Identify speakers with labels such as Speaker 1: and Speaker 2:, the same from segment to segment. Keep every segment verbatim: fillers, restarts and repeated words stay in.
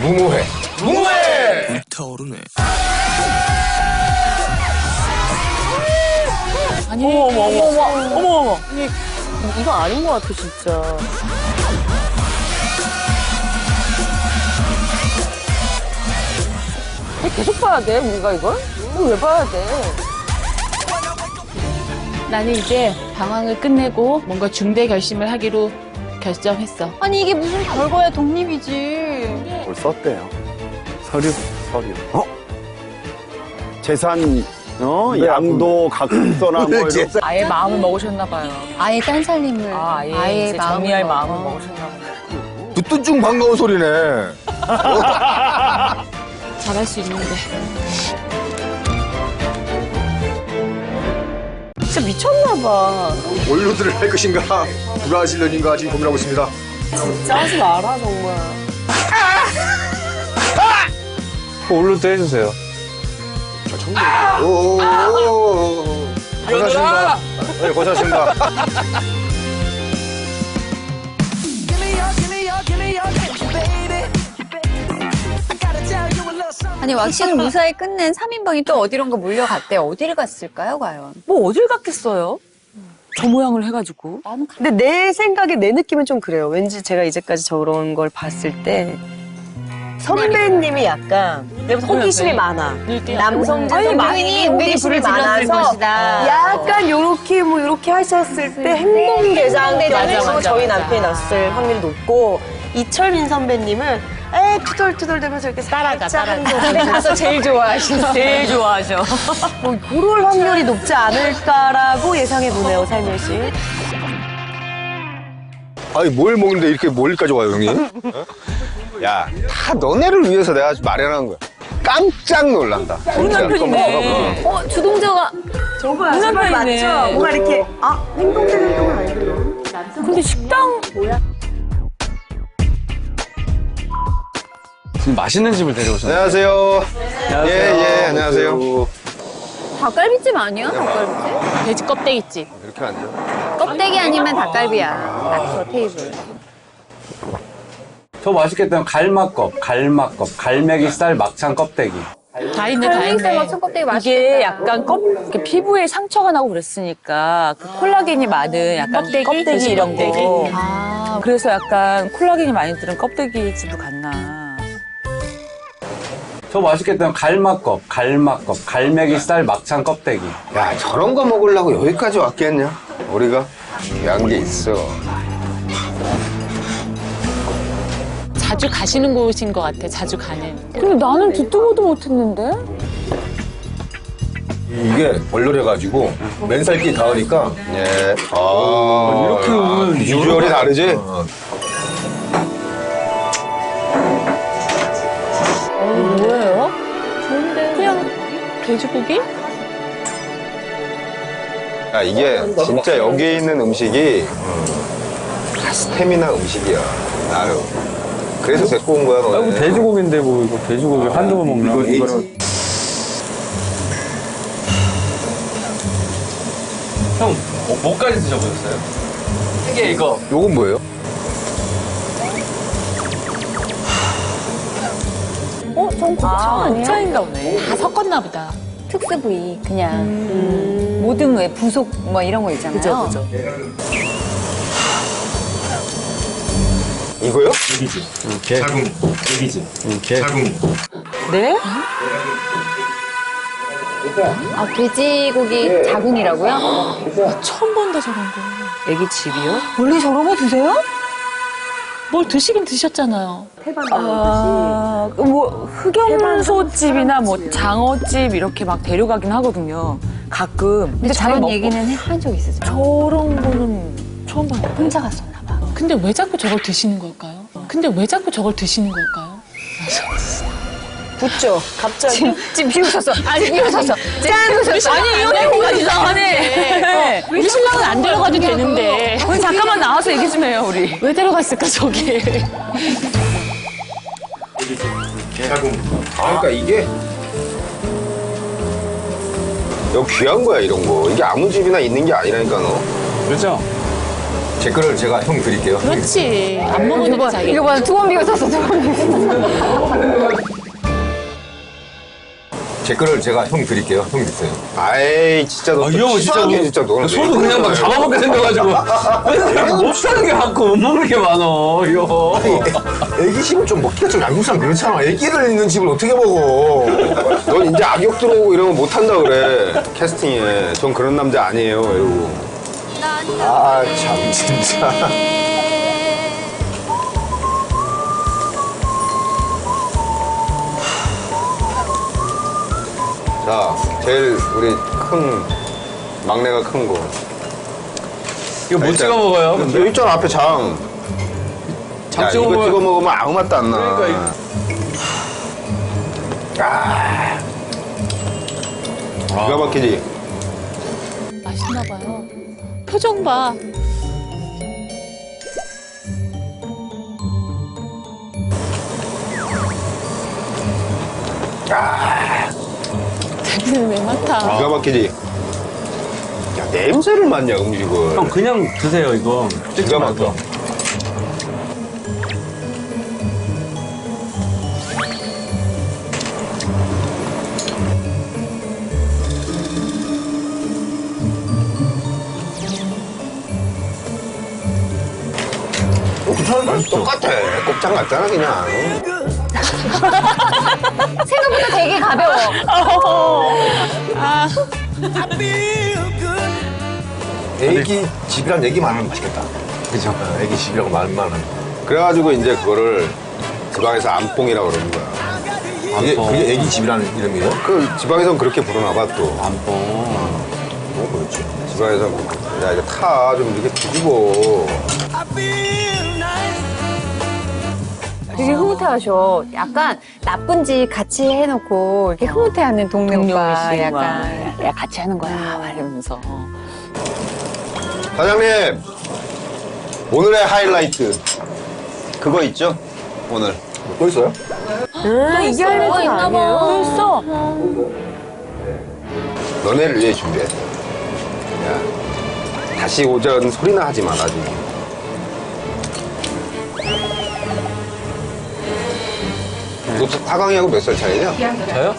Speaker 1: 무모해. 무모해!
Speaker 2: 불타오르네.
Speaker 3: 아니, 어머, 어머, 어머, 어머, 어머, 어머. 아니, 이거 아닌 것 같아, 진짜. 계속 봐야 돼, 우리가 이걸? 이거 왜 봐야 돼?
Speaker 4: 나는 이제 방황을 끝내고 뭔가 중대 결심을 하기로 결정했어.
Speaker 5: 아니 이게 무슨 별거야, 독립이지.
Speaker 6: 뭘 썼대요? 서류. 서류. 어? 재산, 어? 양도, 각서나 뭐 이런.
Speaker 3: 아예 마음을 먹으셨나 봐요.
Speaker 5: 아예 딴 살림을
Speaker 3: 아, 아예, 이제 정리할 마음을 먹으셨나 봐요.
Speaker 1: 듣던 중 반가운 소리네.
Speaker 4: 잘할 수 있는데.
Speaker 3: 진짜 미쳤나 봐.
Speaker 1: 원로들을 할 것인가, 브라질런인가 지금 고민하고 있습니다.
Speaker 3: 진짜 하지 마라, 정말.
Speaker 6: 올로도 해주세요.
Speaker 1: 오오오오. 고생하십니다. 네, 고생하십니다.
Speaker 5: 아니 왁싱을 무사히 끝낸 삼 인방이 또 어디론가 몰려갔대. 어디를 갔을까요, 과연?
Speaker 3: 뭐 어딜 갔겠어요? 저 모양을 해가지고.
Speaker 7: 근데 내 생각에 내 느낌은 좀 그래요. 왠지 제가 이제까지 저런 걸 봤을 때 선배님이 약간 호기심이 많아. 남성적 선배님이 호기심이 많아서 약간 요렇게 뭐 요렇게 하셨을 때 행동대장간에서 저희 남편이 났을 확률이 높고, 이철민 선배님은 에 투덜투덜 대면서 이렇게
Speaker 3: 따라가,
Speaker 7: 살짝
Speaker 3: 따라가.
Speaker 7: 하는 거
Speaker 3: 가서 제일 좋아하시죠. 제일 좋아하죠.
Speaker 7: 뭐 그럴 확률이 높지 않을까라고 예상해 보네요, 살며시.
Speaker 1: 아니, 뭘 먹는데 이렇게 멀리까지 와요, 형님? 어? 야, 다 너네를 위해서 내가 아주 마련한 거야. 깜짝 놀란다.
Speaker 3: 우리 남편이네.
Speaker 5: 어, 주동자가
Speaker 7: 저거야,
Speaker 3: 우리
Speaker 7: 정말
Speaker 3: 남편이네.
Speaker 7: 맞죠? 뭔가 이렇게 아 행동되는 행동은 아니고요.
Speaker 3: 근데 식당
Speaker 6: 지금 맛있는 집을 데려오셨네요.
Speaker 1: 안녕하세요.
Speaker 6: 안녕하세요.
Speaker 1: 예, 예, 안녕하세요.
Speaker 5: 닭갈비집 아니야? 닭갈비집?
Speaker 4: 돼지 껍데기집.
Speaker 1: 이렇게 앉아.
Speaker 5: 껍데기 아니면 닭갈비야. 딱 저 테이블.
Speaker 6: 저 맛있겠다면 갈막껍, 갈막껍, 갈매기살 막창 껍데기.
Speaker 4: 다 있네, 다
Speaker 5: 갈매기살
Speaker 4: 있네.
Speaker 5: 막창 껍데기 맛있겠다.
Speaker 3: 이게 약간 껍, 이렇게 피부에 상처가 나고 그랬으니까 그 콜라겐이 많은 약간 껍데기, 껍데기 이런 거.
Speaker 5: 아,
Speaker 3: 그래서 약간 콜라겐이 많이 들은 껍데기 집을 갔나.
Speaker 6: 저 맛있겠다면 갈막껍, 갈막껍, 갈매기살 막창 껍데기.
Speaker 1: 야, 저런 거 먹으려고 여기까지 왔겠냐? 우리가 귀한 게 있어.
Speaker 4: 자주 가시는 곳인 것 같아, 자주 가는.
Speaker 3: 근데 나는 듣도 보도 못했는데?
Speaker 1: 이게 얼얼해가지고 맨살기 닿으니까 예. 아,
Speaker 6: 이렇게 오면
Speaker 1: 비주얼이 다르지?
Speaker 3: 뭐예요?
Speaker 4: 그냥 돼지고기?
Speaker 1: 야, 이게 진짜 여기 있는 음식이 다 스태미나 음식이야, 나름. 그래서 데리고 온 거야,
Speaker 6: 아,
Speaker 1: 너네.
Speaker 6: 뭐 돼지고기인데 뭐 이거 돼지고기 한두 번 먹나? 이거는. 형, 뭐, 뭐까지 드셔보셨어요? 이게 이거.
Speaker 1: 요건 뭐예요?
Speaker 3: 어? 전 곱창 아, 아니야? 곱창인가 보네.
Speaker 4: 다 섞었나 보다.
Speaker 5: 특수 부위 그냥 음. 모든 왜 부속 뭐 이런 거 있잖아요.
Speaker 3: 그죠, 그죠.
Speaker 1: 이거요?
Speaker 8: 여기지. 자궁. 여기지. 자궁.
Speaker 3: 네?
Speaker 5: 아, 돼지고기 자궁이라고요?
Speaker 4: 처음 본다, 저런 거.
Speaker 3: 애기 집이요?
Speaker 5: 원래 저런 거 드세요?
Speaker 4: 뭘 드시긴 드셨잖아요.
Speaker 3: 아, 뭐 흑염소집이나 뭐 장어집 이렇게 막 데려가긴 하거든요. 가끔.
Speaker 5: 근데
Speaker 3: 자기
Speaker 5: 저런
Speaker 3: 먹고.
Speaker 5: 얘기는 한 적 있으세요?
Speaker 3: 저런 거는 처음 봤는데.
Speaker 5: 혼자 갔었나 봐.
Speaker 4: 근데 왜 자꾸 저걸 드시는 걸까요? 근데 왜 자꾸 저걸 드시는 걸까요?
Speaker 7: 붙죠. 갑자기.
Speaker 5: 지금, 지금 비웃었어. 아니, 비웃었어. 짠! 웃었어.
Speaker 3: 아니, 이 언니 뭐가 이상하네.
Speaker 4: 우리 신랑은 안 데려가도 되는데.
Speaker 3: 우리 잠깐만 나와서 얘기 좀 해요, 우리.
Speaker 4: 왜 데려갔을까, 저게.
Speaker 8: 자궁.
Speaker 1: 아, 그러니까 이게 여기 귀한 거야, 이런 거. 이게 아무 집이나 있는 게 아니라니까, 너.
Speaker 6: 그렇죠?
Speaker 1: 제 거를 제가 형 드릴게요.
Speaker 4: 그렇지. 안 먹어도 돼, 자기.
Speaker 5: 이거 봐, 두 번 비웃었어, 두 번 비웃었어.
Speaker 1: 제 거를 제가 형 드릴게요. 형 드세요. 아이 진짜 너.
Speaker 6: 아, 이 형은 진짜
Speaker 1: 치사하게
Speaker 6: 뭐-
Speaker 1: 진짜 너는.
Speaker 6: 저도 그냥 막 잡아먹게 생겨가지고. 못 사는 게 많고 못 먹는 게 많어, 이 형.
Speaker 1: 애기심은 좀 먹기가 좀 양육 사람 그렇잖아. 애기를 있는 집을 어떻게 먹어? 넌 이제 악역 들어오고 이런 거 못한다 그래. 캐스팅에. 전 그런 남자 아니에요. 이러고. 아 참 진짜. 자, 제일 우리 큰 막내가 큰 거.
Speaker 6: 이거 못
Speaker 1: 일단-
Speaker 6: 찍어 먹어요.
Speaker 1: 여기 있잖아 앞에 장.
Speaker 6: 장
Speaker 1: 야,
Speaker 6: 찍어
Speaker 1: 이거
Speaker 6: 먹으면-
Speaker 1: 찍어 먹으면 아무 맛도 안 나.
Speaker 6: 그러니까
Speaker 1: 아. 기가 막히지.
Speaker 4: 맛있나 봐요. 표정 봐. 자기는 왜 맡아?
Speaker 1: 기가 막히지. 야 냄새를 맡냐 음식을.
Speaker 6: 형 그냥 드세요, 이거.
Speaker 1: 기가 막혀. 어, 괜찮은데? 똑같아. 곱창 같잖아 그냥.
Speaker 5: 생각보다 되게 가벼워.
Speaker 1: 애기 집이란 얘기만 하면 맛있겠다.
Speaker 6: 그죠.
Speaker 1: 어, 애기 집이라고 말만 하면. 그래가지고 이제 그거를 지방에서 안뽕이라고 그러는 거야. 그게,
Speaker 6: 안뽕.
Speaker 1: 그게 애기 집이라는 이름이에요? 그 지방에서는 그렇게 부르나 봐 또.
Speaker 6: 안뽕.
Speaker 1: 뭐 그렇지. 지방에서는 야 이거 타 좀 이렇게 뒤집어.
Speaker 5: 되게 흐뭇해하셔. 약간 나쁜 짓 같이 해놓고 이렇게 흐뭇해하는 동네 오빠. 약간.
Speaker 3: 야 같이 하는 거야 말하면서.
Speaker 1: 사장님 오늘의 하이라이트 그거 있죠? 오늘 또 있어요?
Speaker 7: 아, 이게 하이라이트가
Speaker 3: 있나 봐.
Speaker 7: 아니에요?
Speaker 3: 벌써.
Speaker 1: 너네를 위해 준비했어. 야 다시 오전 소리나 하지 마라 지금. 너 타강이하고 몇 살 차이냐?
Speaker 6: 저요?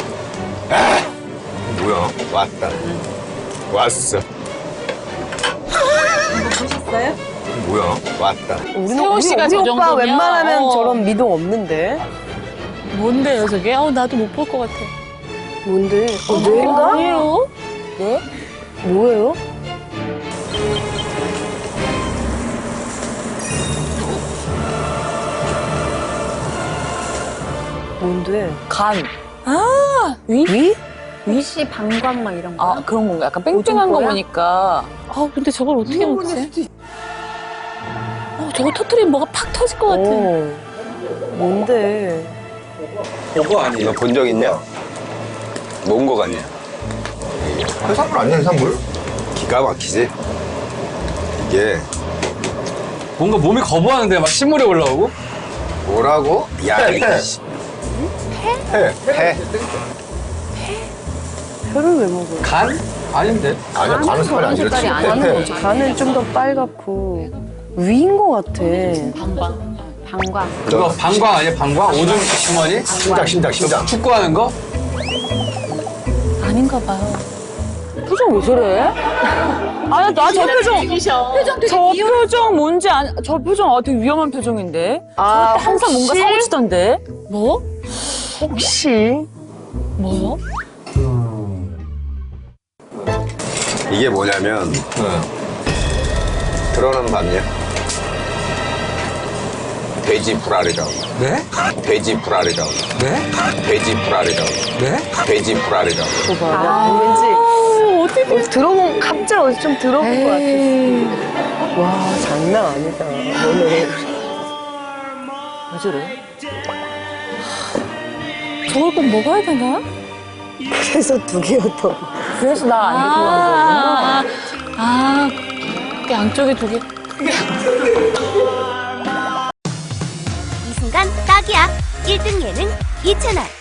Speaker 1: 뭐야? 왔다. 왔어.
Speaker 5: 보셨어요?
Speaker 1: 뭐야? 왔다.
Speaker 7: 우리는
Speaker 4: 세호
Speaker 7: 우리,
Speaker 4: 씨가
Speaker 7: 우리
Speaker 4: 저
Speaker 7: 오빠
Speaker 4: 정도면,
Speaker 7: 웬만하면
Speaker 4: 어.
Speaker 7: 저런 미동 없는데.
Speaker 4: 뭔데요, 저게? 어, 나도 못 볼 것 같아.
Speaker 7: 뭔데? 어, 뇌인가?
Speaker 4: 아니에요?
Speaker 7: 뭐예요? 뭔데?
Speaker 3: 간.
Speaker 7: 위?
Speaker 5: 위시 방광 막 이런 거.
Speaker 3: 아 그런 건가? 약간 뺑뺑한 거
Speaker 5: 오줌
Speaker 3: 보니까.
Speaker 4: 아, 근데 저걸 어떻게 먹지? 어, 저거 터트리면 뭐가 팍 터질 것 같아.
Speaker 7: 어. 뭔데?
Speaker 6: 그거 아니에요.
Speaker 1: 너 본 적 있냐? 뭔 거 같냐? 해산물 아니야 해산물? 기가 막히지? 이게
Speaker 6: 뭔가 몸이 거부하는데 막 신물이 올라오고?
Speaker 1: 뭐라고? 야 이게 씨. 회? 회?
Speaker 7: 혀를 왜 먹어요?
Speaker 6: 간? 아닌데.
Speaker 1: 아니야 간은 살이 안
Speaker 5: 색깔이
Speaker 1: 지렸지.
Speaker 5: 아니야.
Speaker 1: 회.
Speaker 7: 간은 좀 더 빨갛고 위인 것 같아.
Speaker 4: 방방.
Speaker 5: 방광.
Speaker 6: 그거 방광 아니야, 방광? 오줌 주머니?
Speaker 1: 심장 심장 심장.
Speaker 6: 축구하는 거?
Speaker 4: 아닌가 봐요.
Speaker 3: 표정 왜 저래? 아나 저 표정.
Speaker 4: 죽이셔.
Speaker 3: 저 표정 뭔지 안, 저 표정 아, 되게 위험한 표정인데.
Speaker 7: 아,
Speaker 3: 저때 항상 뭔가
Speaker 7: 혹시?
Speaker 3: 사고 치던데.
Speaker 4: 뭐?
Speaker 7: 혹시
Speaker 4: 뭐요?
Speaker 1: 이게 뭐냐면 드러난 봤냐? 돼지 불알이라고.
Speaker 6: 네?
Speaker 1: 돼지 불알이라고.
Speaker 6: 네?
Speaker 1: 돼지 불알이라고.
Speaker 6: 네?
Speaker 1: 돼지 불알이라고.
Speaker 7: 저 봐봐. 왠지 어디 들어본 갑자기 어디 좀 들어본 것 같아. 와 장난 아니다. 너네
Speaker 3: 왜 저래?
Speaker 4: 저걸 꼭 먹어야 되나?
Speaker 7: 그래서 두 개였던.
Speaker 3: 그래서 나 안 입고 간 거구나.
Speaker 4: 아, 아, 그 양쪽에 두 개.
Speaker 2: 이 순간 딱이야. 일 등 예능 이 채널.